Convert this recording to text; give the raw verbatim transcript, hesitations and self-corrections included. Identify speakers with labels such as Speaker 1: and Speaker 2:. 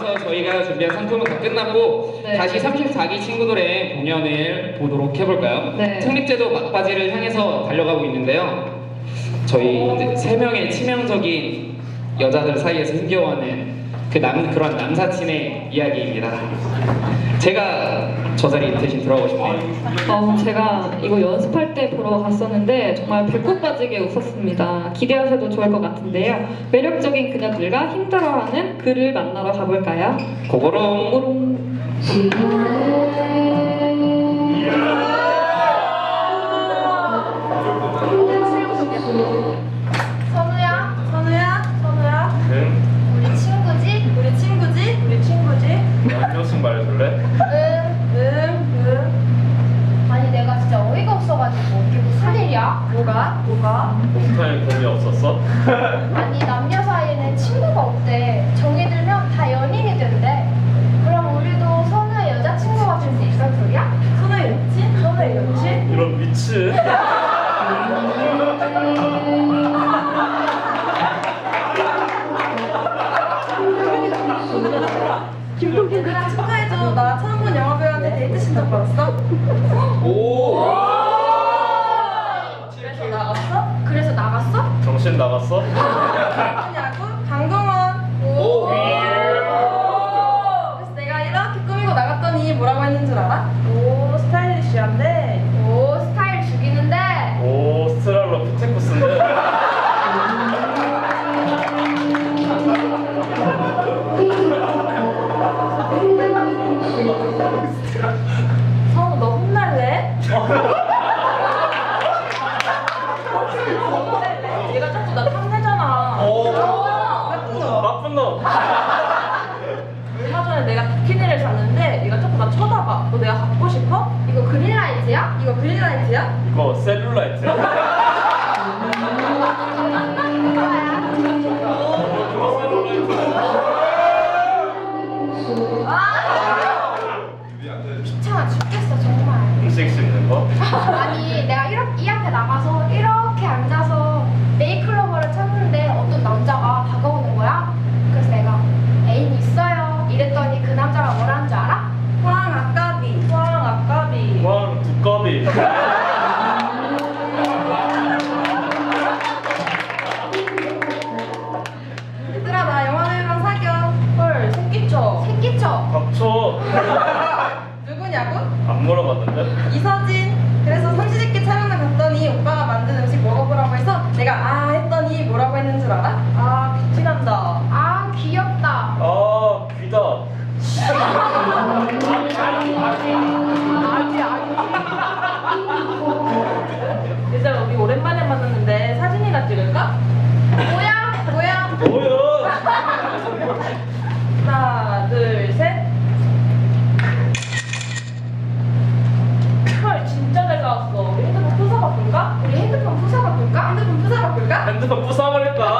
Speaker 1: 돌아와서 저희가 준비한 상품은 다 끝났고
Speaker 2: 네.
Speaker 1: 다시 삼십사 기 친구들의 공연을 보도록 해볼까요?
Speaker 2: 네.
Speaker 1: 창립제도 막바지를 향해서 달려가고 있는데요. 저희 이제 세 명의 치명적인 여자들 사이에서 힘겨워하는 그 남, 그런 남사친의 이야기입니다. 제가 저 자리 대신 들어가고 싶네요.
Speaker 2: 어, 제가 이거 연습할 때 보러 갔었는데 정말 배꼽 빠지게 웃었습니다. 기대하셔도 좋을 것 같은데요. 매력적인 그녀들과 힘들어하는 그를 만나러 가볼까요?
Speaker 1: 고고롱.
Speaker 2: 고고롱.
Speaker 3: 선우야, 선우야, 선우야.
Speaker 4: 응?
Speaker 3: 우리 친구지?
Speaker 4: 우리 친구지? 우리 친구지? 한 명씩 말해줄래?
Speaker 3: 응.
Speaker 4: 응, 응.
Speaker 3: 아니 내가 진짜 어이가 없어가지고 이게 무슨 일이야?
Speaker 4: 뭐가? 뭐가? 옥타에 공이 없었어?
Speaker 3: 아니 남녀 사이에는 친구가 없대. 정이 들면 다 연인이 된대. 그럼 우리도 선우의 여자친구가 될 수 있단 소리야?
Speaker 4: 선우의 여친? 선우의 여친? 이런 미친.
Speaker 5: 김동균이랑 축하해줘. 나 처음 본 영화배우한테 데이트 신청 받았어.
Speaker 1: 오.
Speaker 5: 그래서 나갔어?
Speaker 3: 그래서 나갔어?
Speaker 4: 정신 나갔어?
Speaker 5: 누구냐고? 강동원.
Speaker 1: 오.
Speaker 5: 그래서 내가 이렇게 꾸미고 나갔더니 뭐라고 했는 줄 알아? 오, 스타일리시한데.
Speaker 3: 오 스타일 죽이는데.
Speaker 4: 오, 스트랄로 피테쿠스인데?
Speaker 5: 성우 너 혼날래? 얘가 자꾸 나 탐내잖아.
Speaker 4: 오.
Speaker 5: 나쁜 놈.
Speaker 4: 나쁜 놈.
Speaker 5: 얼마 전에 내가 비키니를 샀는데 얘가 자꾸 나 쳐다봐. 너 내가 갖고 싶어?
Speaker 3: 이거 그린라이트야?
Speaker 5: 이거 그린라이트야?
Speaker 4: 이거 셀룰라이트야?
Speaker 3: 귀찮아 죽겠어 정말.
Speaker 4: 음식 씹는 거?
Speaker 3: 아니 내가 이렇게 이 앞에 나가서 이렇게 앉아서 메이클로버를 찾는데 어떤 남자가 다가오는 거야. 그래서 내가 애인 있어요 이랬더니 그 남자가 뭐라는 줄 알아?
Speaker 5: 황 아까비. 황 아까비.
Speaker 4: 왕 두꺼비.
Speaker 5: 얘들아 나 영화배우랑 사겨. 헐 새끼쳐.
Speaker 3: 새끼쳐.
Speaker 4: 닥쳐.
Speaker 5: 누구냐고?
Speaker 4: 안 물어봤는데?
Speaker 5: 이서진. 그래서 삼시세끼 촬영을 갔더니 오빠가 만든 음식 먹어보라고 해서 내가 아 했더니 뭐라고 했는 줄 알아? 아 귀티난다.
Speaker 3: 아 귀엽다.
Speaker 4: 아, 귀다.
Speaker 5: 얘들아 우리 오랜만에 만났는데 사진이나 찍을까?
Speaker 3: 뭐야?
Speaker 5: 뭐야?
Speaker 4: 뭐야?
Speaker 5: 하나 둘 셋. 헐 진짜 잘 나왔어. 우리 핸드폰 부숴 바꿀까?
Speaker 3: 우리 핸드폰 부숴 바꿀까?
Speaker 5: 핸드폰 부숴 바꿀까?
Speaker 4: 핸드폰 부숴버릴까?